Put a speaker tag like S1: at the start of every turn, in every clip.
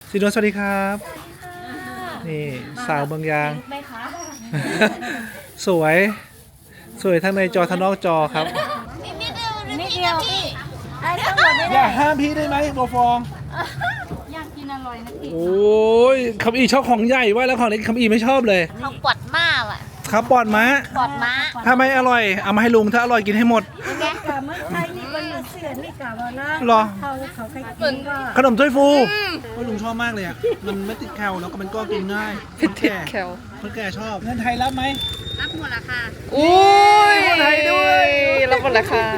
S1: สิโดสวัสดีครับนี่สาวเมืองยางสวยทั้งในจอทั้งนอกจอครับ
S2: นิดเดียวพี่ไอ้ทั้งหมดไม่
S1: อ
S2: ได้
S1: ย่าห้ามพี่ได้ไหมโบฟอง
S2: อยากกินอร่อยนะพี่
S1: โอ้ยคำอีชอบของใหญ่ว่าแล้วของเล็กคำอีไม่ชอบเลย
S2: เขาปวดมากอ่ะ
S1: ครับปอดม้า
S2: ปวดม้า
S1: ถ้าไม่อร่อยเอามาให้ลุงถ้าอร่อยกินให้หมด
S3: กะเมื่อไทยนี่มันเสือนี่กะว่านะ
S1: หรอ
S3: เขาใครกินก็
S1: ขนมถ้วยฟูโอ้ยลุงชอบมากเลยอ่ะมันไม่ติดแคลแล้วก็มันก็กินง่ายคนแก่คนแก่ชอบเงินไทยรับไหม
S2: รับหมดราคา
S4: อุ้ย
S1: คนไทยด้วย
S4: รับหมดราคา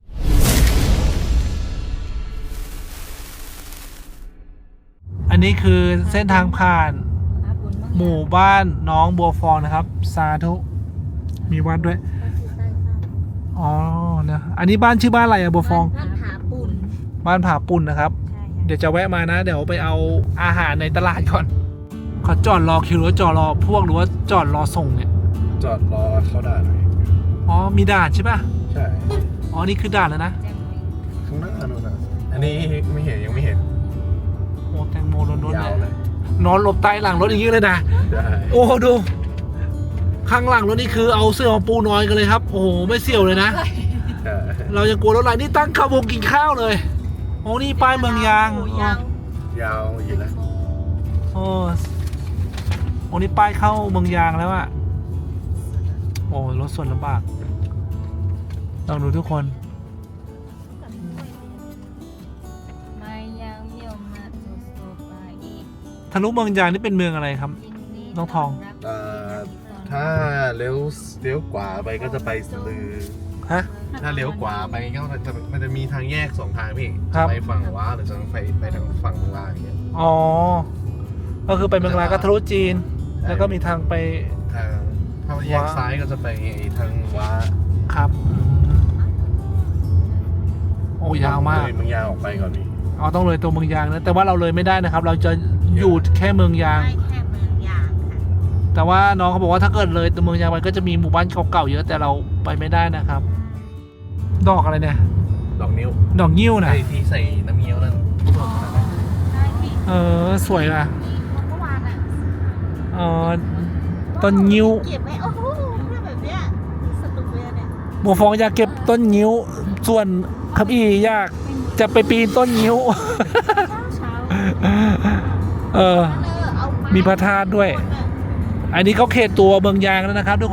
S1: อันนี้คือเส้นทางผ่านหมู่บ้านน้องบัวฟองนะครับสาธุมีวัดด้วยอ๋อนะอันนี้บ้านชื่อบ้านอะไรอะบัวฟอง
S2: ท่านหาปุ่น
S1: บ้านผาปุ่นนะครับ เดี๋ยวจะแวะมานะ เดี๋ยวไปเอาอาหารในตลาดก่อนเขาจอดรอคิวหรือว่าจอดรอพวกหรือว่าจอดรอส่งเนี่ย
S5: จอดรอเข้าด่านหน่อย
S1: อ๋อมีด่านใช่ป่ะ
S5: ใช่
S1: อ๋อนี่คือด่านแล้วนะ
S5: ข้างหน้านู่นน่ะอันนี้ไม่เห็นยังไม่เห็น
S1: โอ้แตงโมล้นๆ
S5: ยาว
S1: เล
S5: เลย ย
S1: นอนหลบใต้หลังรถอย่างนี้เลยนะ
S5: ได้
S1: โอ้ดูข้างหลังรถนี่คือเอาเสื้อมาปูนอนกันเลยครับโอ้โหไม่เสี่ยวเลยนะ
S5: ใช่
S1: เราจะกลัวรถไหลนี่ตั้งขบวนกินข้าวเลยโอ้นี่ป้ายเมืองยาง
S2: ยาว
S5: ยาวอยู่นะ
S1: โอ้นี่ป้ายเข้าเมืองยางแล้วอะโอ้รถส่วนลำบากลองดูทุกคน
S2: ไม่ยาวเยี่ยวมาสุดโซฟาอีก
S1: ทะลุเมืองยางนี่เป็นเมืองอะไรครับ น้องทอง
S5: ถ้าเลี้ยวขวาไปก็จะไปสลือ
S1: ฮะ
S5: ถ้าเลี้ยวขวาไปก็มันจะมีทางแยกสองทางพี่
S1: ครับ
S5: จะไปฝั่งว้าหรือจะไปทางฝั่งลางอย่างเงี้ย
S1: อ๋อก็คือไปเมืองลาวก็ทะลุจีน แล้วก็มีทางไป
S5: ทางถ้าแยกซ้ายก็จะไปทางว้า
S1: ครับโอ้ยาวมาก
S5: เลยเมืองยาวออกไปก่อนพี่
S1: อ๋อต้องเลยตัวเมืองยางนะแต่ว่าเราเลยไม่ได้นะครับ เราจะอยู่แค่เมืองยาง
S2: ได้แค่เมืองยางค่ะ
S1: แต่ว่าน้องเขาบอกว่าถ้าเกิดเลยตัวเมืองยางไปก็จะมีหมู่บ้านเก่าๆเยอะแต่เราไปไม่ได้นะครับ ดอกอะไรเนี่ย
S5: ดอกนิ้ว
S1: ดอกยิ้วนะ
S5: ไอ้ที่ใส่น้ำเงี้ยวนั่นสดขนาดนั้น
S2: ได้พี่
S1: สวยอ่ะ
S2: เมื่อวานอ่ะ
S1: ต้นยิ้ว
S2: เก็บไว้โอ้โหแบบเนี้ยสนุกเลยเนี่ย
S1: บัวฟองอยากเก็บต้นยิ้วส่วนคับอีอยากจะไปปีนต้นยิ้ว
S2: เช้า เอา
S1: มีพระธาตุด้วย อันนี้เขาเขตตัวเมืองยางแล้วนะครับ ทุกคน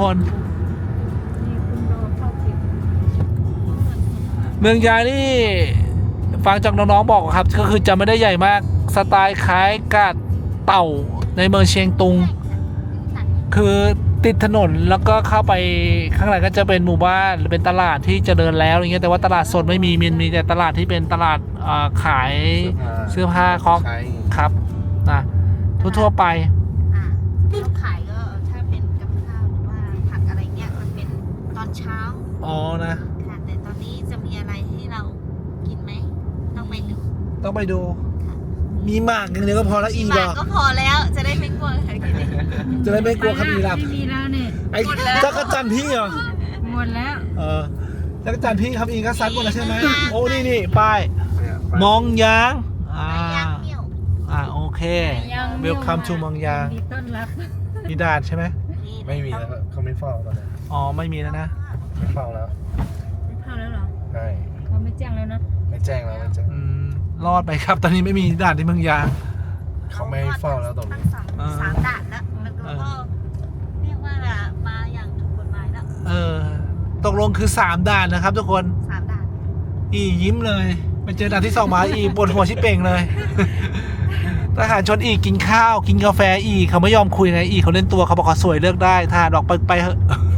S1: เมืองยางนี่ฟังจากน้องๆบอกครับ ก็คือจะไม่ได้ใหญ่มากสไตล์คล้ายกาดเต่าในเมืองเชียงตุง คือติดถนนแล้วก็เข้าไปข้างในก็จะเป็นหมู่บ้านหรือเป็นตลาดที่เจริญแล้วอย่างเงี้ยแต่ว่าตลาดสดไม่มีแต่ตลาดที่เป็นตลาดขายเสื้อผ้าคอก
S5: ใช้
S1: ครับนะทั่วๆไป
S2: ที่ขายก็ถ้าเป็นกับข้าวหรือว่าผักอะไรเงี้ยมันเป็นตอนเช้า
S1: อ๋อนะ
S2: ค่ะแต่ตอนนี้จะมีอะไรให้เรากินไหมต้องไปดู
S1: ต้องไปดู มีหมากอย่างเดียวก็พอแล้วอี
S2: ห
S1: ด
S2: มา
S1: อก
S2: ก็พอแล้วจะได้ไม่กลัวใครกิน
S1: จะได้ไม่กลัวคำอีหลับ
S3: ไม่มีแล้วเนี่ย
S1: ไอ้จักรจันทร์พี่เหรอ
S3: หมดแล้ว
S1: จักรจันทร์พี่คำอีก็ซัดหมดแล้วใช่ไหมโอ้นี่ป้ายมองยาง
S2: ย่างเมี่ยว
S1: โอเค Welcome to มองยาง
S3: มีต้อนรับ
S1: มีด่านใช่ไหม
S5: ไม่มีแล้วเขาไม่เฝ้าตอนนี้
S1: อ๋อไม่มีแล้วนะ
S5: ไม่เฝ้าแล้ว
S3: เข้าแล้วเหรอ
S5: ใช่
S3: เขาไม่แจ้งแล้วเนอะ
S5: ไม่แจ้งแล้วไม่แจ้ง
S1: รอดไปครับตอนนี้ไม่มีด่านที่เมืองยาง
S5: เขาไม่เฝ้าแล้วตรง
S2: ทั้
S5: นี้
S2: งสามด่านแล้วมันก็เรียกว่ามาอย่างถูกกฎหมายแล้ว
S1: ตกลงคือ3ด่านนะครับทุกคน
S2: 3 ด่าน
S1: อียิ้มเลยไปเจอด่านที่2มาอีปวดหัวชิบเป่งเลยทหารชนอีกินข้าวกินกาแฟอีเขาไม่ยอมคุยไงอีเขาเล่นตัวเขาบอกเขาสวยเลือกได้ทหารออกไปเถอะ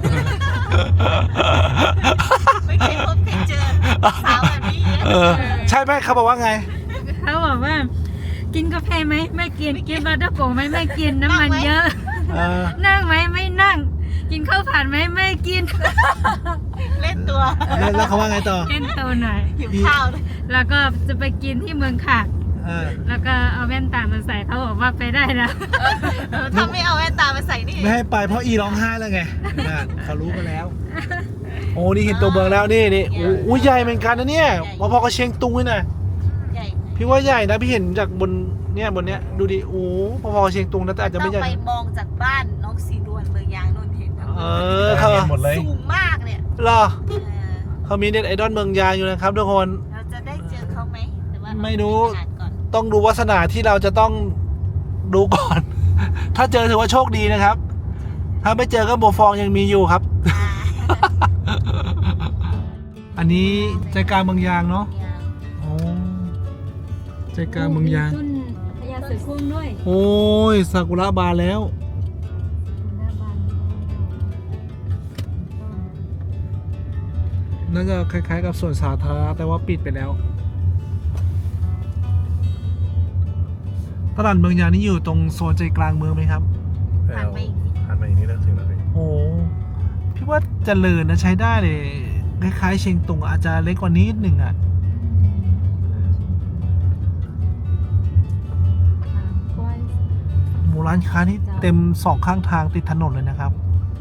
S2: ไม่เคยพบเคยเจอสาวแบบนี้
S1: ใช่ไหมเขาบอกว่าไง
S3: เขาบอกว่า กินกาแฟไหมไม่กินกินบาร์ดโกไหมไม่กินน้ำมันเยอะ นั่งไหมไม่นั่ง กินข้าวผัดไหมไม่กิน
S2: เล่นตัว
S1: แล้วเขาว่าไงต่อ
S3: เล่นตัวหน่อย
S2: หิวข้าวเลย
S3: แล้วก็จะไปกินที่เมืองขากแล้วก็เอาแว่นตามาใส่เขาบอกว่าไปได้แล้ว
S2: ถ้าไม่เอาแว่นตามาใส่นี่
S1: ไม่ให้ไปเพราะอีร้องไห้แล้วไงเขารู้กันแล้ว โอ้นี่เห็นตัวเมืองแล้วนี่อู้ใหญ่เหมือนกันนะเนี่ยพอๆกับเชียงตุงเลยนะ
S2: ใหญ่
S1: พี่ว่าใหญ่นะพี่เห็นจากบนเนี่ยดูดิโอ้พอๆเชียงตุงนะแต่อาจจะ
S2: ต้
S1: ไม่
S2: อง
S1: ใหญ่
S2: ไปมองจากบ้านน้องสีนวลเมืองยางนนท์เห็นทั้งหม
S1: เอ
S2: ด
S1: อเขา
S5: เห็นหมดเลย
S2: สูงมากเนี่ย
S1: เหรอ
S2: เออ
S1: เขามีเน็ตไอดอลเมืองยางอยู่นะครับทุกคน
S2: เราจะได้เจอเขาไหมหรือว่า
S1: ไม่รู้
S2: เาไปอ่านก่อน
S1: ต้องดูวาสนาที่เราจะต้องดูก่อน ถ้าเจอถือว่าโชคดีนะครับ ถ้าไม่เจอก็โบฟองยังมีอยู่ครับ อันนี้ใจกลางเมืองยางเนาะโอ้ใจกลางเมืองยาง
S3: ต้นพญาเสือโคร่งด้วย
S1: โอ้ยซากุระบานแล้ว
S3: หน้าบ้าน
S1: น่าจะคล้ายๆกับสวนสาธารณะแต่ว่าปิดไปแล้ว ตลาดเมืองยางนี่อยู่ตรงโซนใจกลางเมืองไหมครับ
S2: ผ่านไปอีกนิด
S5: ผ่านไปอีกนิดแล้วถึงแล้วพี่
S1: โอ้พี่ว่าเจริญนะใช้ได้เลยคล้ายๆเชียงตุงอาจจะเล็กกว่านี้นิดหนึ่งอ่ะ
S3: กว้าง
S1: หมู่ร้านค้านี่เต็มสองข้างทางติดถนนเลยนะครับ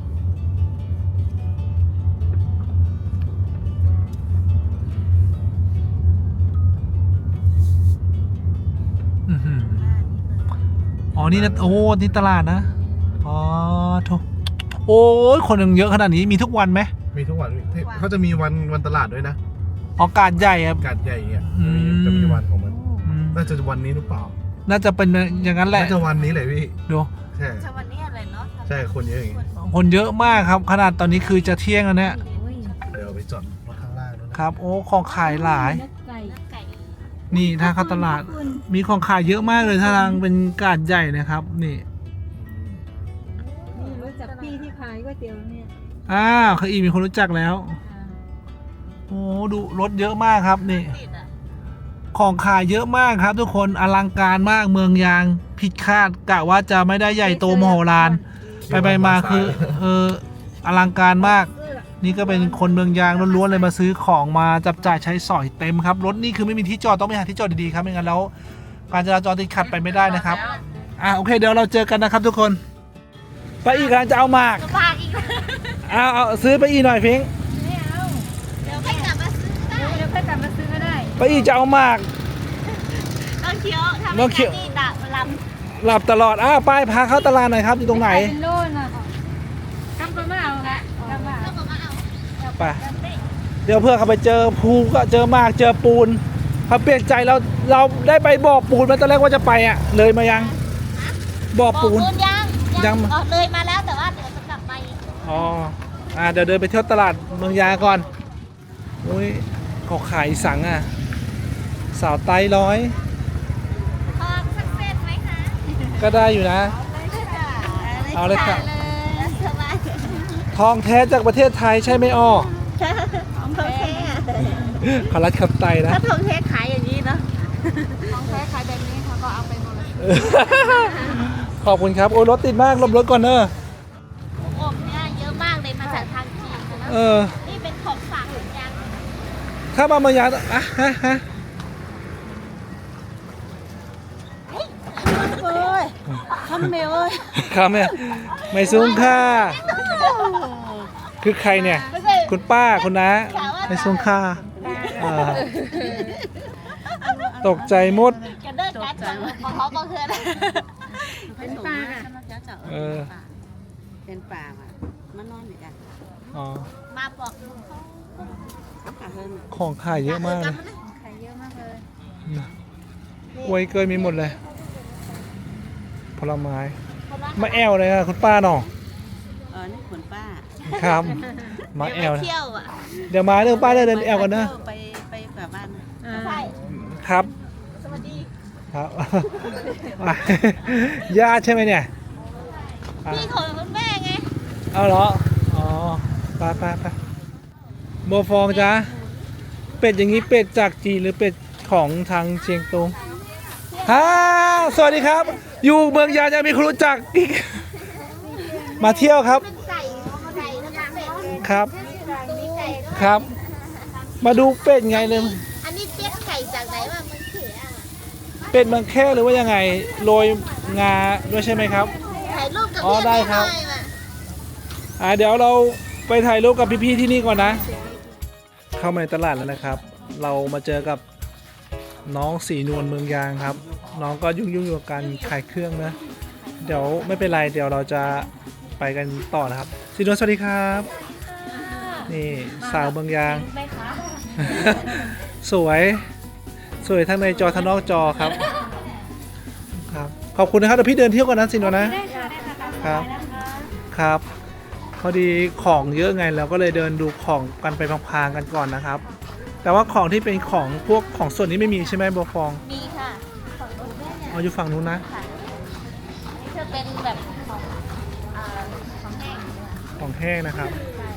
S1: อือหืออ๋อนี่นะโอ้นี่ตลาดนะอ๋อโถโอ้ยคนยังเยอะขนาดนี้มีทุกวันไหม
S5: มีทุกวันพี่เขาจะมีวันตลาดด้วยนะ
S1: อ๋อกาดใหญ่อะ
S5: การใหญ่เนี่ย
S1: อืม
S5: จะมีวันของมัน
S1: อืม
S5: น่าจะวันนี้หรือเปล่า
S1: น่าจะเป็นอย่างนั้นแหละ
S5: น่าจะวันนี้เลยพี่
S1: ดู
S5: ใช่
S2: จะวันนี้อะไรเนาะ
S5: ใช่คนเยอะอย่างงี้
S1: คนเยอะมากครับ ขนาดตอนนี้คือจะเที่ยงแล้วเนี่ย
S3: โอ้ย
S5: เดี๋ยวไปจอดรถข้างล่างด้วยนะครับ
S1: โอ้ของขายหลาย
S3: นกไก่
S2: ไก่
S1: นี่ถ้าเข้าตลาด
S3: คุณ
S1: มีของขายเยอะมากเลยถ้าทางเป็นกาดใหญ่นะครับ นี่
S3: นี่รู้จักพี่ที่ขายก๋วยเตี๋ยวเนี่ย
S1: เคยมีคนรู้จักแล้ว โอ้ดูรถเยอะมากครับนี่
S2: ติดอ่ะ
S1: ของขายเยอะมากครับ ทุกคนอลังการมากเมืองยางผิดคาดกะว่าจะไม่ได้ใหญ่โตมโหฬารไปมาคืออลังการมาก นี่ก็เป็นคนเมืองยางล้วนๆเลยมาซื้อของมาจับจ่ายใช้สอยเต็มครับรถนี่คือไม่มีที่จอดต้องไปหาที่จอดดีๆครับไม่งั้นแล้วการจราจรติดขัดไปไม่ได้นะครับโอเคเดี๋ยวเราเจอกันนะครับทุกคนไปอีกกำลังจะเอาหมาก
S2: กระบะอีกแล้ว
S1: เอาซื้อไปอีกหน่อยพิง
S3: ไม่เอา
S2: เดี๋ยวไม่กลับมาซื้อได้
S3: เดี๋ยวค่อยกลับมาซื้อก็ได้
S1: ไปอีกจะเอาหมาก
S2: ต้องเคี้ยวทำ
S1: ต้
S2: ให้
S1: องเคี้ยว
S2: นี่ดับล
S1: หลับตลอดป้ายพาเข้าตลาดหน่อยครับอยู่ตรงไหน
S3: เป็นโลน่ะกำปะมาเอาละกำปะ
S2: ำแล้วก็มาเอา
S1: ไปเดี๋ยวเพื่อเขาไปเจอภูก็เจอหมากเจอปูนเขาเปลี่ยนใจเราได้ไปบ่อปูนมาตอนแรกว่าจะไปเลยมายังบ่อ
S2: บอก
S1: ปูน
S2: คุณยัง
S1: ยัง
S2: เลยมาแล้วแต่ว่าเดี๋ยวจะกลับไป
S1: เดี๋ยวเดินไปเที่ยวตลาดเมืองยาก่อนอุ้ยเขาขายสังสาวไต้ร้อย
S2: ทองสักเส้นไหมคะ
S1: ก็ได้อยู่นะ เอาเลยค่ะ
S2: สบาย
S1: ทองแท้จากประเทศไทยใช่ไหมอ้อ
S2: ทองแท้
S1: ขอรัดขับไตนะ
S2: ถ้าทองแท้ขายอย่างนี้เนาะทองแท้ขายแบบนี้เขาก็เอาไปหมดเลย
S1: ขอบคุณครับโอ้ยรถติดมากหลบรถก่อนเนอะ
S2: อบเนี่ยเยอะมากเลยมาจากทางจีนนะ นี่เป็นของฝากเหมือนกัน
S1: ถ้ามาเมืองยาฮะ
S2: เอ้ยทำเมลเอ้ย
S1: ครับเนี่ยไม่ซุ้งค่าคือใครเนี่ย
S2: ไม่ใช่
S1: คุณป้าคุณน้าไม่ซุ้งค่าตกใจหมด
S2: กันเดินกันจังของเขาก็คือ
S3: เป็นปลาอ่ะ
S2: เป็นป่าอ่ะมันนอนอยู่กัน
S1: อ๋อ
S2: มาบอก
S1: ของขายเยอะมากเลย
S3: ขายเยอะมากเลย
S1: กล้วยเกยมีหมดเลย ผลไม้มาแอวเลยค่ะคุณป้าหนอ
S2: นี่ขนป้า
S1: ครับมาแอว
S2: เที่ยวอ่ะ
S1: เดี๋ยวมาเรื่องป้าเดินแอวกันนะ
S2: ไปแบบบ้าน
S3: ใช่
S1: ครับ
S2: สวัสดี
S1: ครับ ญาติใช่ไหมเนี่ย
S2: พี่ของคุณแม่ไง
S1: เอาเหรอ อ๋อไปโบฟองจ้าเป็ดอย่างนี้เป็ดจากจีนหรือเป็ดของทางเชียงตุงสวัสดีครับ อยู่เมืองยาจะมีคนรู้จักอีกมาเที่ยวครับ
S2: ไก่แล้วก็เป็ด
S1: ครับ
S2: มีไก่
S1: ครับ มาดูเป็ดไงเลย
S2: อันนี้เป็ดไก่จากไหนวะมันเขีย
S1: เป็ดเมืองแค่หรือว่ายังไงโรยงาด้วยใช่ไหมครับ
S2: ถ่ายรูปกับ
S1: อ๋อ
S2: พี่
S1: ได้ครับ
S2: หน่อยว่ะ
S1: เดี๋ยวเราไปถ่ายรูปกับพี่ๆที่นี่ก่อนนะ เข้ามาในตลาดแล้วนะครับ เรามาเจอกับน้องสีนวลเมืองยางครับ น้องก็ยุ่งอยู่กับการขายเครื่องนะ เดี๋ยวไม่เป็นไรเดี๋ยวเราจะไปกันต่อนะครับสีนวลสวัสดีครับ นี่สาวเมืองยาง สวยทั้งในจอทั้งนอกจอครับครับขอบคุณนะครับเดี๋ยวพี่เดินเที่ยวก่อนนะสินวลนะ
S3: ได้ค่ะได้ค่ะ
S1: ครับครับพอดีของเยอะไงเราก็เลยเดินดูของกันไปพลางๆกันก่อนนะครับ แต่ว่าของที่เป็นของพวกของส่วนนี้ไม่มีใช่ไหมบัวฟอง
S2: มีค่ะฝั่งนู้นเนี่ย
S1: เอาอยู่ฝั่งนู้นนะ
S2: ค่ะนี่จะเป็นแบบของของแห้ง
S1: ของแห้งนะครับ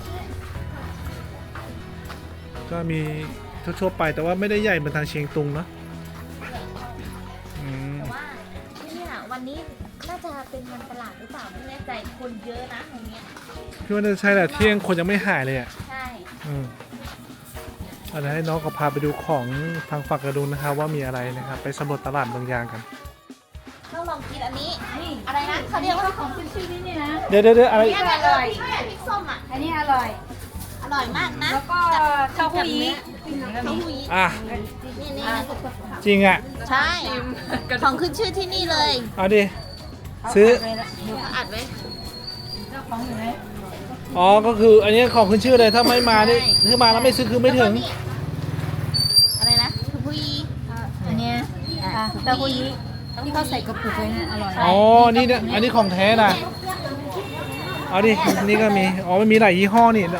S1: ก็มีทั่วๆไปแต่ว่าไม่ได้ใหญ่เหมือนทางเชียงตุงเนาะอืม
S2: แต่ว่าเนี่ยวันนี้น่าจะเป็นวันตลาดหรือเปล่าไม่แน่ใจคนเยอะนะตรงเนี้ย
S1: พี่ว่าน่าจะใช่แหละเที่ยงคนยังไม่หายเลยอ่ะ
S2: ใช่
S1: เอาเดี๋ยวให้น้องก็พาไปดูของทางฝั่งกระดุนนะครับว่ามีอะไรนะครับ ไปสำรวจตลาดบางอย่างกัน
S2: ต้องลองกินอันนี้อะไรนะเขาเรียกว่าของขึ้นชื่อ
S3: นี่นะ
S1: เดี๋ยวอะไร
S2: เนี่ยอร่อยพริกส้มอ่ะ
S3: อันนี้อร่อย
S2: อร่อยมากนะ
S3: แล้วก็เต้าหู้ยี้
S2: เต้าหู้ยี้
S1: อ่ะ
S2: นี่
S1: จริงอ่ะ
S2: ใช่ของขึ้นชื่อที่นี่เลย
S1: เอาดิซื้อ
S2: อัดไว้
S3: เจ้าของอยู่ไหน
S1: อ๋อก็คืออันนี้ของขึ้นชื่อเลยถ้าไม่มานี่คือมาแล้วไม่ซื้อคือไม่ถึง
S2: อะไรนะเต้าหู้ยี้
S3: อันเนี้ยเต้าหู้ยี้ที่เขาใส่กระปุกไว้นะอร่อย
S1: อ๋อนี่เนี่ยอันนี้ของแท้นะเอาดินี่ก็มีอ๋อมันมีหลายยี่ห้อนี่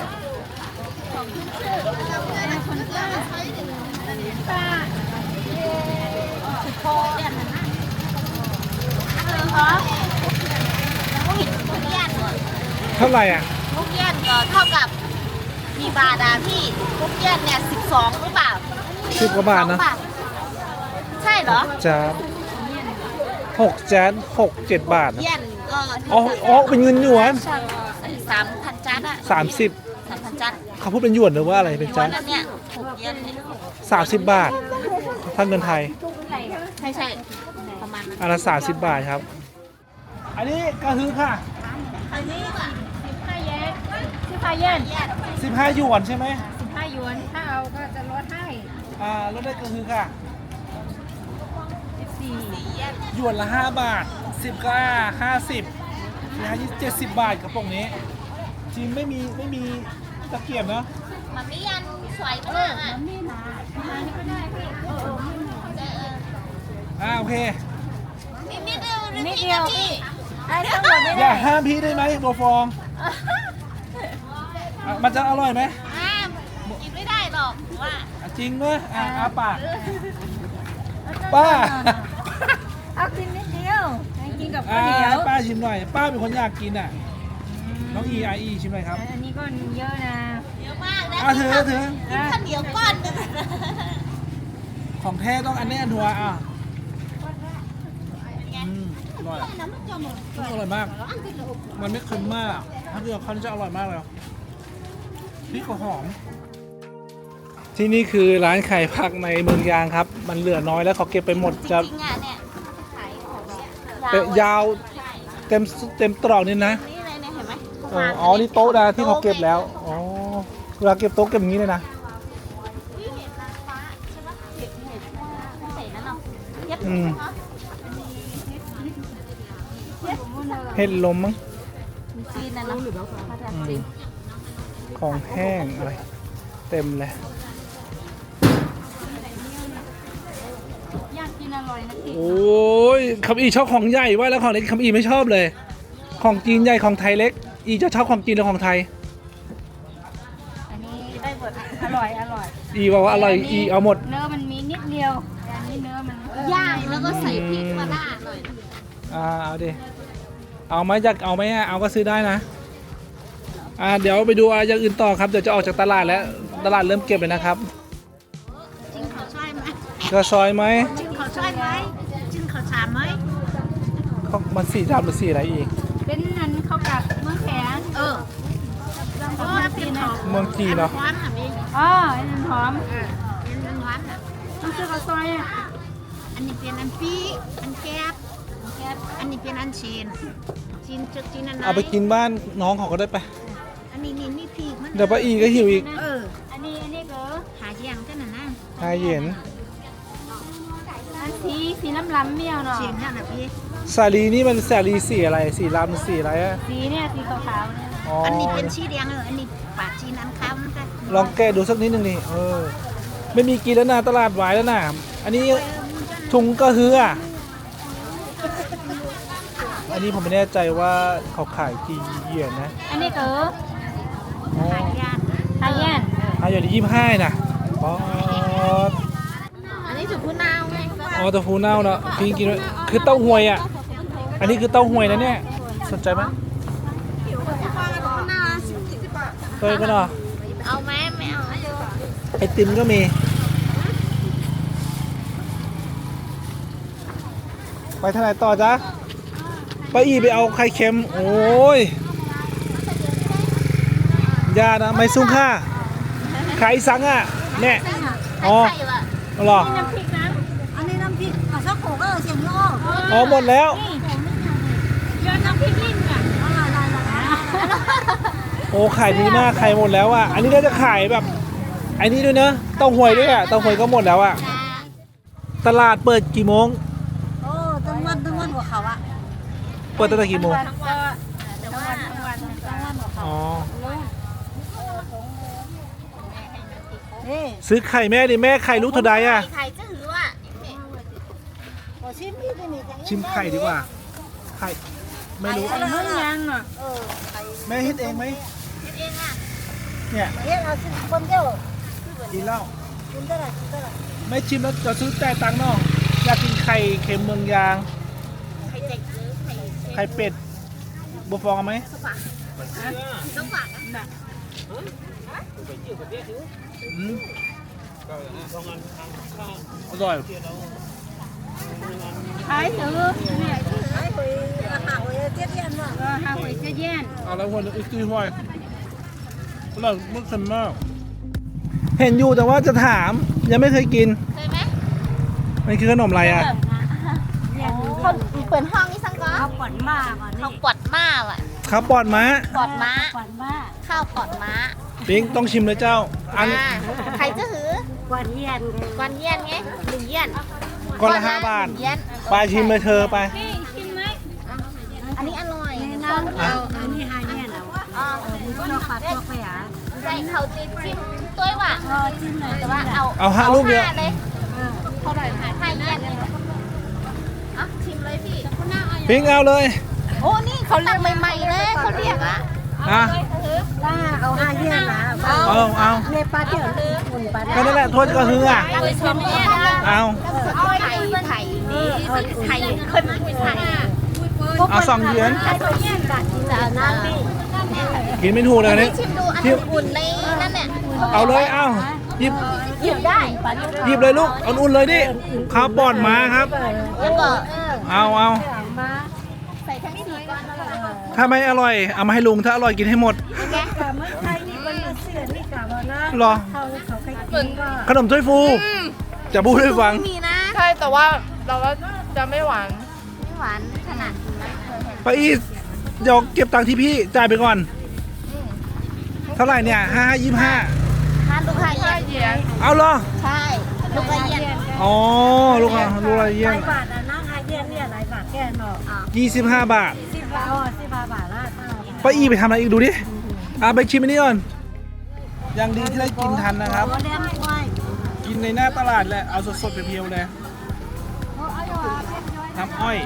S2: โคเนี่ยนะทุกอย่าง
S1: เท่าไหร่อ่ะ
S2: ทุกอย่างก็เท่ากับมีบาทอะพี่ทุกอย่างเนี่ย12หรือเปล่า
S1: 10 กว่าบาทนะ
S2: 12ใช่เหรอ
S1: จาน6 จาน6 7 บาทนะ
S2: เย็นก็
S1: อ๋อเป็นเงินหยวน
S2: 3,000จัดอะ
S1: 30
S2: 3,000จัด
S1: เขาพูดเป็นหยวนหรือว่าอะไรเป็น
S2: วั
S1: จาน
S2: นนั้นเนี่ย6เย็นเนี่ย
S1: 30 บาทถ้าเงินไทย
S2: ใช่ประมาณนั้น
S1: อันละ30 บาทครับ อันนี้กระฮือค่ะ
S2: อันนี้อะ
S3: 15 เยน15 เยน
S1: 15 หยวนใช่ไหม
S3: 15 หยวนถ้าเอาก็จะลดให้
S1: ลดได้กระฮือค่ะ
S3: 14
S1: หยวนละ5 บาท 10 ก็50นะ70 บาทกระป๋องนี้จริงไม่มีตะเกียบเนาะ
S2: มันมีอันสวยมากอะ
S3: นี่นะมานี่ก็ได้พี่
S1: โอเค
S2: นิดเดียว
S3: นิดเดียว
S2: พี่
S3: ได้ทั้งหมดไม่
S1: อ
S3: ได้
S1: ย่าห้ามพี่ได้ไหมบัวฟองมันจะอร่อยไหม
S2: กินไม่ได้หรอกว่า
S1: จริงด้วยอาปากป้า
S3: เอากินนิดเดียวให้กินกับข้า
S1: อ่าว
S3: เหนียว
S1: ป้าชิมหน่อย ป้าเป็นคนอยากกินอ่ะ น้องอีชิมหน่อยครับ
S3: อันนี้ก็เยอะนะ
S2: เยอะมากนะ
S1: ถือ
S2: กินข้าวเหนียวก้อนหนึง
S1: ของแท้ต้องอันนี้อันดัวอร่อยอะอร่อยมาก มันไม่เค็มมาก ถ้าเกิดเขาจะอร่อยมากเลยพริกก็หอม ที่นี่คือร้านขายผักในเมืองยางครับ มันเหลือน้อยแล้วเขาเก็บไปหมด
S2: จ
S1: จะ
S2: ริงๆอ่ะเนี่ยขายของเนี่ย
S1: ยาว
S2: ใช่
S1: เต็มตรอกนี่นะ
S2: นี่เลยเนี่ยเห็นไหม
S1: อ๋อ นี่โต๊ะนะที่เขาเก็บแล้ว อ๋อ เวลาเก็บโต๊ะเก็บอย่างนี้เลยนะ
S2: อุ๊ยเห็ดนางฟ้าใช่ปะเห็ดไม่ใส่นั่นหรอกเย็บ
S1: อืม
S2: เนาะ
S1: เห็ดลมมั้ง
S2: จีนนะเนาะมาจากจีน
S1: ของแห้งอะไร เต็มเลย
S3: อยากกินอร่อยนะพี่
S1: โอ้ยคำอีชอบของใหญ่ว่าแล้วของเล็กคำอีไม่ชอบเลย ของจีนใหญ่ของไทยเล็ก อีจะชอบของจีนหรือของไทย
S3: อันนี้ได้หมดอร่อย
S1: อีบอกว่าอร่อยอีเอาหมด
S3: เนื้อมันมีนิดเดียวแต่อันนี้เนื้อมัน
S2: ย่างแล้วก็ใส่พริกมาล่าหน่อย
S1: เอาดิ เอาไหมอยากเอาไหมเอาก็ซื้อได้นะ เดี๋ยวไปดูอะไรอย่างอื่นต่อครับ เดี๋ยวจะออกจากตลาดแล้ว ตลาดเริ่มเก็บเลยนะครับ
S2: จริงเขาช่วยไหม
S1: กระซอยไหม
S2: จริงเขาช่วยไหมจริงเขาชามไหม
S1: มันสีดำหรือสีอะไรอีก
S3: เป็นอันข้าวกับเมืองแขน
S2: เพราะว่าเป็นของ
S1: เมืองจีนเนาะ
S2: หวานอ่ะพี่
S3: อ๋ออันนั้นหอม
S2: เป็นหวานอ่ะ
S3: ต้องซื้อข้าวซอยอ่ะ
S2: อันนี้เป็นอันปีอันแก๊บอันนี้เป็นอันชีนจุกจีนอันไหน
S1: เอาไปกินบ้านน้องเขาก็ได้ไป
S2: อันนี้นี่มีพีกมัน
S1: เดี๋ยวป้าอีก็หิวอีก
S2: เออ
S3: อันนี้ก็
S2: หาอย่างกันนะ
S1: ชายเย็น
S3: สีล้ำๆเมี่ยวเนาะ
S2: เชียนนั่นน่ะพี่
S1: สาลีนี่มันสาลีสีอะไรสีลำสีอะไรอะ
S3: สีเนี่ยสีขาวๆเนี่ย
S1: อ๋อ
S2: อั
S1: อั
S2: นนี้เป็นชีแดงอันนี้ปาดชีน้ำข้าวมันก็
S1: ลองแกะดูสักนิดหนึ่งนี่ไม่มีกินแล้วนะตลาดวายแล้วนะอันนี้ถุงกระหืออ่ะอันนี้ผมไม่แน่ใจว่าเขาขายกี่เหรียญนะ
S3: อันนี้ก็
S1: อ๋อ
S2: ขายยาน
S3: ทาเย็น
S1: อย่างที่25นะอ๋อ
S2: อันนี้สุกุนาวไง
S1: อ๋อเต้าหู้เน่าเนาะกินด้วยคือเต้าหวยอ่ะอันนี้คือเต้าหวยนะเนี่ยสนใจไหมเคยก็เนาะ
S2: เอาไหมไม่เอา
S1: ไอติมก็มีไปทางไหนต่อจ๊ะไปอีไปเอาไข่เค็มโอ้ยยานะไม่ซุ้งค่าขายสังอ่ะแม่อ๋อเหรอ
S3: น้ำพริกนะ
S2: อันนี้น้ำพริกเอาสักโขกก็เสียงโลก
S1: อ๋อหมดแล้ว
S3: ยอดน้ำพริกลิ้นอ่ะ
S1: โอ้ขายดีมากขายหมดแล้วอ่ะอันนี้น่าจะขายแบบอันนี้ด้วยเนอะเต้าหวยด้วยอ่ะเต้าหวยก็หมดแล้วอ่ะตลาดเปิดกี่โมง
S2: โอ้ตั้งวันหัวเขาอะ
S1: เปิดตั้งแต่กี่โมง
S3: ทั้งวัน
S1: อ๋อ
S2: นี่
S1: ซื้อไข่แม่ดิแม่ไข่ลูกเท่าใดอ่ะ
S2: ไข่จะหือว่ะขอชิมพี่นี่
S1: ชิมไข่ดีกว่าไข่ไม่รู้
S3: ไอ้มึงยังเนาะ
S1: แม่เฮ็ดเองไหม
S2: เองอ่ะ
S1: เนี่ย
S2: เฮ้ยเอาสิคนเดียว
S1: กินเหล้า
S2: กินได้ไรกินได้ไร
S1: ไม่ชิมแล้วจะซื้อแต่ตังค์น้องอยากกินไข่เค็มเมืองยาง
S2: ไข่เด็กหรือไข่
S1: ไข่เป็ดบัวฟองเอาไหม
S2: ต้องฝากนะ
S1: อืมอร่อย
S3: ขายถือเนี่ย
S2: ไอ้คุยอาหารคุยเจี๊ยบเย็นว่ะ
S3: ห้าหวยจะเย็น
S1: เอาแล้วคนอีกทีห่วยอร่อยมากเค็มมากเห็นอยู่แต่ว่าจะถามยังไม่เคยกิน
S2: เคยไหม
S1: มันคือขนมอะไรอ่ะ
S2: เขาเปิดห้องนี่สังก็
S3: เขาปวดมากอ่ะ
S2: เขาปอดม้าว่ะ
S1: ข้าวปอดม้า
S2: ปอดม้า
S3: ปวดมาก
S2: ข้าวปอดม้า
S1: ปิงต้องชิมเลยเจ้าอัน
S2: ไข่จะหือ
S3: ปวดเย็น
S2: กวนเย็นไงหนึ่งเย็น
S1: ก้อนละ5 บาท
S2: หนึ่งเย็น
S1: ไปชิมเลยเธอไป
S3: นี่ชิมไหม
S2: อันนี้อร่อย
S3: น้ำเอาอันนี้หาเย็นเอา
S2: อ๋อ
S3: ตัวปลาตัวไปอ่ะ
S2: ใส่เขาจิ้มตัวว่ะ
S3: จิ้มหน่อย
S2: แต่ว่าเอา
S1: เอาห้าลูกเดียว
S2: ห้าเลยเท่าไหร่ห้าเย็นเลยอ่ะชิมเลยพี่
S1: ปิงเอาเลย
S2: โอ้นี่เขาเรียกใหม่ๆเลยเขาเรียกอ่ะ
S1: อ่ะ
S3: ล่าเอาหาเย็นนะ
S1: เอา
S3: ในปลาเดี๋ยวหุ่นปลา
S1: ก็นั่นแหละโทษก็คืออ่ะ
S2: เอาไปชิมเนี่ยนะ
S1: เอา
S2: ไข่ไข่นี่ไข่ขึ้นไข่
S1: เอา2 เหรียญ
S2: ไข่เย็นกัดกินแล้วน้ำนี่
S1: กินไม่ถูกเลยอัน
S2: นี่
S1: นี่
S2: ชิมดูอันนี้อุ่นในนั่นเนี่ย
S1: เอาเลยเอาหยิบ
S2: หยิบได้
S1: หยิบเลยลูกเอาอุ่นเลยดิข้าวปอดม้าครับ
S2: แล้วก็
S1: เอา
S2: ใส่ทั้งสี่ก้อนแล้วก็
S1: ถ้าไม่อร่อยเอามาให้ลุงถ้าอร่อยกินให้หมด
S2: แกะ
S1: หรอขนมถ้วยฟูจะพูดให้ฟัง
S2: ไม่มีนะ
S4: ใช่แต่ว่าเราว่าจะไม่หวาน
S2: ไม่หวานขนาดนั้นเคยเห็น
S1: ไปอีเดี๋ยวเก็บตังค์ที่พี่จ่ายไปก่อน เท่าไหร่เนี่ย5 25
S2: ทานลูกค้าเย็น
S4: เยียน
S1: เอาเหรอ
S2: ใช่ลูกค้าเย็น
S1: อ๋อลูกอะไรเยี่ยม
S3: บาทนะนั่งหาเย็นเนี่ยหลายบาทแก่เนาะ
S1: 25 บาท
S3: 10 บาทอ๋อ15 บาทละ
S1: ไปอีไปทำอะไรอีกดูดิไปชิมอันนี้ก่อนยังดีที่ได้กินทันนะครับ
S3: เลี้ยงไว้
S1: กินในหน้าตลาดแหละเอาสดๆเพียวๆเลยน้ำอ้อย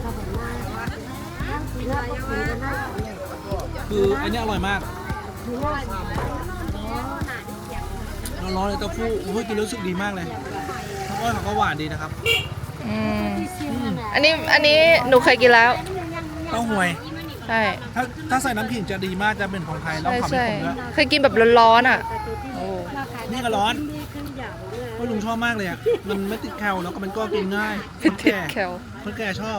S1: คืออันนี้อร่อยมากร้อนๆเลยเต้าหู้โอ้ยกินแล้วรู้สึกดีมากเลยน้ำอ้อยเขาก็หวานดีนะครับ
S4: อันนี้หนูเคยกินแล้ว
S1: เต้าหวย
S4: ใช่
S1: ถ้าใส่น้ำผิงจะดีมากจะเป็นของไทยแล้ว
S4: ใช่
S1: ความเป็น
S4: ใช่
S1: ผมด้วย
S4: เคยกินแบบร้อนๆอ่ะ
S1: นี่ก็ร้อนเพราะลุงชอบมากเลยอ่ะมันไม่ติดแคลแล้วก็มันก็กินง่ายค
S4: ไม่
S1: น
S4: ติด
S1: แก่
S4: แคล
S1: คนแก่ชอบ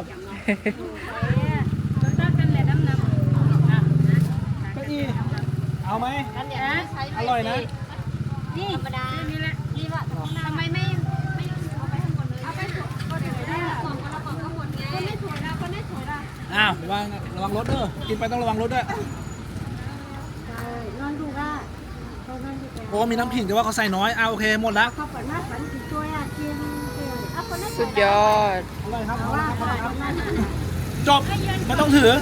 S3: ถ้ากันแหละน้ำ
S1: ก็อีเอาไหมอร่อยนะ
S3: นี่ธรรมดานี่แหละนี่ละทำไมไม่เอาไปข้างบนเลยเอาไปก็เดี๋ยวได้ส่งคนละกล่องข้างบนไงคนไม่สวยนะคนไม่สวยนะ
S1: อ้าวระวังรถเด้อกินไปต้องระวังรถด้วย
S3: นอนดูว่าเขานอนดูแก
S1: โอ้มีน้ำผิงแต่ว่าเขาใส่น้อยโอเคหมดแล้ว
S3: เขาเปิดหน้าฝันกี่ตัวอ่ะกินเอาไป
S4: สุดยอด
S1: จบไม่ต้องถือ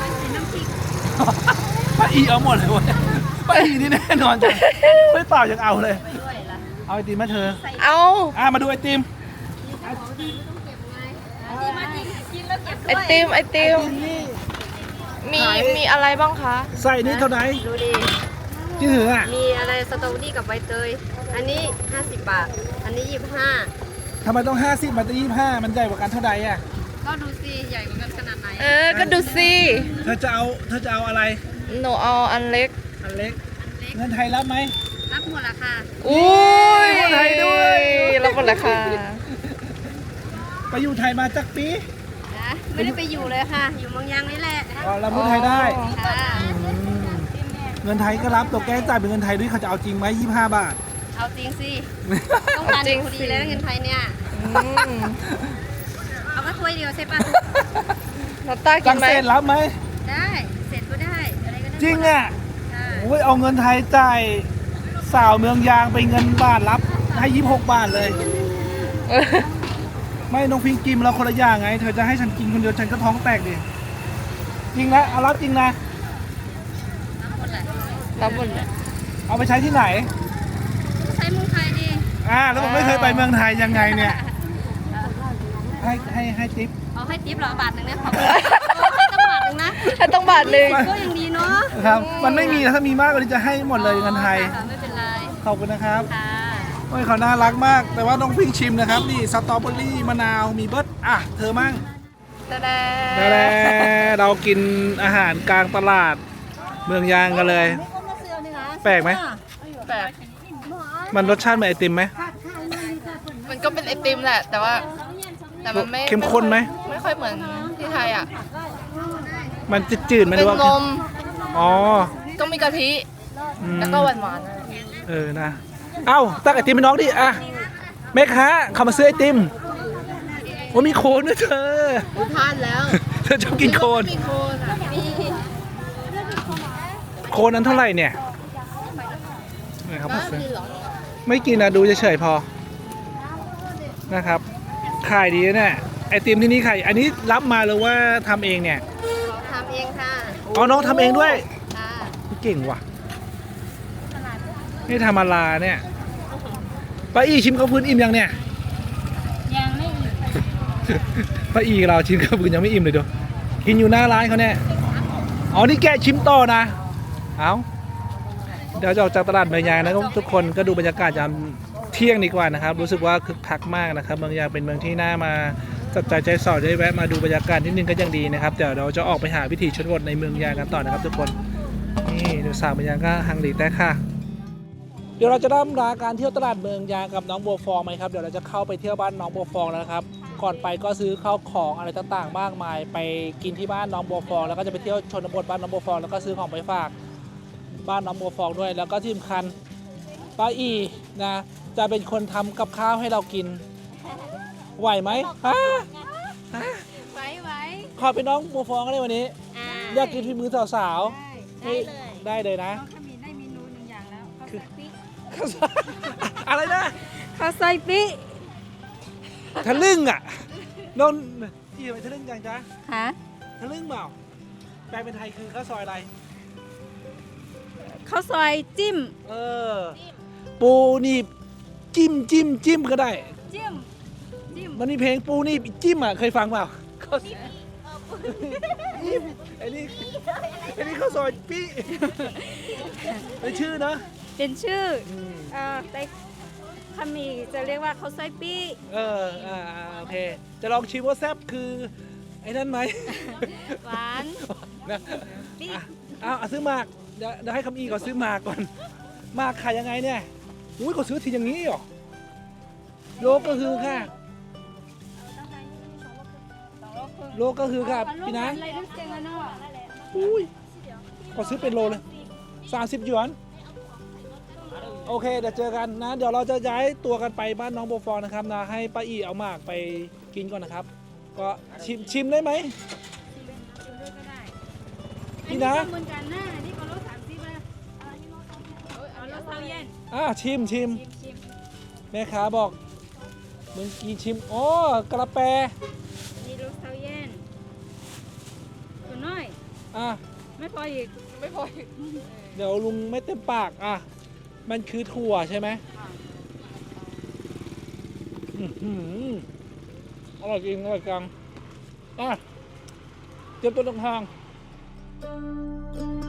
S1: ป้าอีเอาหมดเลยเว้ยป้าอีนี่แน่นอนจังไม่เปล่ายังเอาเลย เอาไอติมมาเธอ
S4: เอา
S1: มาดูไอติม
S4: ไอติมมีอะไรบ้างคะ
S1: ใส่นี่เท่าไหร่
S6: ดูดิ
S1: ที่ถืออ่ะ
S6: มีอะไรสตรอเบอรี่กับใบเตย อันนี้ 50 บาท อันนี้ 25
S1: ทำไมต้อง50มันจะ25มันใหญ่กว่ากันเท่าไหร่อ่ะ
S6: ก็ดูสิ ใหญ่กว่ากันขนาดไหน
S4: ก็ดูสิ
S1: เธอจะเอาอะไร
S4: หนูเอาอันเล็ก
S1: อันเล็กเงินไทยรับไหม
S6: รับหมดละค่ะ
S4: อุ้ย
S1: คนไทยด้วย
S4: รับหมดเลยค่ะ
S1: ไปอยู่ไทยมาจักปี
S6: นะ ไม่ได้ไปอยู่เลยค่ะ อยู่เมืองยางนี่แหละ
S1: เราพูดไทยได้
S6: ค่ะ
S1: เงินไทยก็รับตัวแกจ่ายเป็นเงินไทยด้วยเขาจะเอาจริงไหม25 บาท
S6: เอาจริงสิ ต้องการเด็กพอดีแล้วเงินไทยเนี่ย เอาก็ถ้วยเดียวใช่ปะ
S4: น้ำตากิ
S1: จั
S4: น
S1: ง
S4: ไหม
S1: เซนรับไหม
S6: ได้ เสร็จก็ได้ อะไรก็ได้
S1: จริงอ่ะ
S6: ได้
S1: โอ้ยเอาเงินไทยจ่ายสาวเมืองยางไปเงินบาทรับให้26 บาทเลย ไม่น้องพิงกินเราคนละอย่างไง เธอจะให้ฉันกินคนเดียวฉันก็ท้องแตกดิจริงนะเอารับจริงนะ
S4: รับหมดเลย
S1: เอาไปใช้ที่ไหน
S6: ใช้เมืองไทยดิ
S1: แล้วผมไม่เคยไปเมืองไทยยังไงเนี่ยให้ติ๊บ
S6: เอาให้ทิปเหรอบาทหนึ่งเนี่ยขอบคุณให้ตั้งบาทหนึ่งนะ
S4: ถ้าต้องบาทหนึ่ง
S6: ก็ยังดีเนาะ
S1: ครับมันไม่มีถ้ามีมากกว่านี้จะให้หมดเลยเงินไทย
S6: ค่ะไม่เป็นไร
S1: ขอบคุณนะครับ
S6: ค่ะ
S1: โอ้ยเขาน่ารักมาก แต่ว่าน้องพิงชิมนะครับนี่สตรอเบอรี่มะนาวมีเบิร์ดเธอมั่ง
S4: ตะแด
S1: นั่นแหละเรากินอาหารกลางตลาดเมืองยางกันเลย แปลกไหม
S4: แบบ
S1: มันรสชาติเหมือนไอติมไหม
S4: มันก็เป็นไอติมแหละ แต่มันไม่
S1: เข้มข้นไหม
S4: ไม่ค่อยเหมือนที่ไทยอ่ะ
S1: มันจืดๆไหมห
S4: เป็
S1: รื
S4: น
S1: อว่าน
S4: ม
S1: อ๋อ
S4: ต้องมีกะทิ
S1: อืม
S4: แล้วก็หวานๆ
S1: นะ เอ้าตักไอติมให้น้องดิแม่ค้าเข้ามาซื้อไอติมว่ามีโคนด้วยเธอ
S6: ทานแล้ว
S1: เธอชอบกินโคน
S6: มีโคนอ่ะมี
S1: โคนนั้นเท่าไหร่เนี่ยไหนครับมาซื้อไม่กินนะดูเฉยๆพอนะครับขายดีนะเนี่ยไอติมที่นี่ขายอันนี้รับมาหรือว่าทำเองเนี่ย
S6: ทำเองค่ะ
S1: อ๋อน้องทำเองด้วย
S6: ค่ะ
S1: เก่งว่ะนี่ทำมาลาเนี่ยป้าอีชิมข้าวพื้นอิ่มยังเนี่ย
S3: ยังไม่อีก
S1: ป้าอีเราชิมข้าวพื้นยังไม่อิ่มเลยเดี๋ยวกินอยู่หน้าร้านเขาเนี่ยอ๋อนี่แกชิมต่อนะเอาเดี๋ยวจะออกจากตลาดเมืองยางนะทุกคนก็ดูบรรยากาศยามเที่ยงดีกว่านะครับรู้สึกว่าคึกคักมากนะครับเมืองยางเป็นเมืองที่น่ามาจับจ่ายใจสอดได้แวะมาดูบรรยากาศนิดนึงก็ยังดีนะครับเดี๋ยวเราจะออกไปหาวิถีชนบทในเมืองยางกันต่อนะครับทุกคนนี่ดูสาวเมืองยางก็ฮังหลีแต่ค่ะเดี๋ยวเราจะเริ่มราการเที่ยวตลาดเมืองยางกับน้องบัวฟองไหมครับเดี๋ยวเราจะเข้าไปเที่ยวบ้านน้องบัวฟองแล้วนะครับก่อนไปก็ซื้อข้าวของอะไรต่างๆ มากมายไปกินที่บ้านน้องบัวฟองแล้วก็จะไปเที่ยวชนบทบ้านน้องบัวฟองแล้วก็ซื้อของไปฝากบ้านน้องบัวฟองด้วยแล้วก็ที่สำคัญป้าอีนะจะเป็นคนทำกับข้าวให้เรากินไหวไหม
S6: ไว้
S1: ขอเป็นน้องบัวฟองก็ได้วันนี้อยากกินฝีมือสาวๆ ได้เลยนะ
S3: เขามีได้เมนูหนึ่งอย่างแล้วข้าวซอยปิ๊ก
S1: อะไรนะ
S3: ข้าวซอยปิ๊ก
S1: ทะลึ่งอ่ะนนอีทำไมทะลึ่งจังจ๊ะ
S3: ฮะ
S1: ทะลึ่งเปล่าแปลเป็นไทยคือข้าวซอยอะไร
S3: ข้าวซอยจิ้ม
S1: ปูนี่จิ้มก็ได้
S3: จิ้ม
S1: มันมีเพลงปูนี่จิ้มอ่ะเคยฟังเปล่าข้าวจิ้มไอ้นี่ข้าวซอยปี้เป็นชื่อเนอะ
S3: เป็นชื่อแต่ขมีจะเรียกว่าข้าวซอยปิ๊ก
S1: โอเคจะลองชิมว่าแซ่บคือไอ้นั่นไหม
S3: หวาน
S1: นะ
S3: ปิ๊ก
S1: เอาซื้อหมากเดี๋ยวให้คำอีก่อนซื้อหมากก่อนหมากขายยังไงเนี่ยอุ้ยก็ซื้อทีอย่างนี้เหรอโลก็คือค่ะโลก็คือค่ะพี่นางอุ้ยก็ซื้อเป็นโลเลย30 หยวนโอเคเดี๋ยวเจอกันนะเดี๋ยวเราจะย้ายตัวกันไปบ้านน้องโบฟองนะครับนะให้ป้าอีเอาหมากไปกินก่อนนะครับก็ชิมได้ไหมพี่นะ
S3: เหมือนกันนะนี่ก็รส30เลยเอารสเท่าเย็น
S1: ชิมแม่ค้าบอกมึงกีชิมโอ้กระแป
S3: อันนี้ลูกเต้าเย็นตัวน้อย
S1: อ่ะ
S3: ไม่พออีก
S4: ไม่พออีก
S1: เดี๋ยวลุงไม่เต็มปากอ่ะมันคือถั่วใช่ไหมอื้อหืออร่อยจริงอร่อยจังอ่ะเตรียมตัวเดินทาง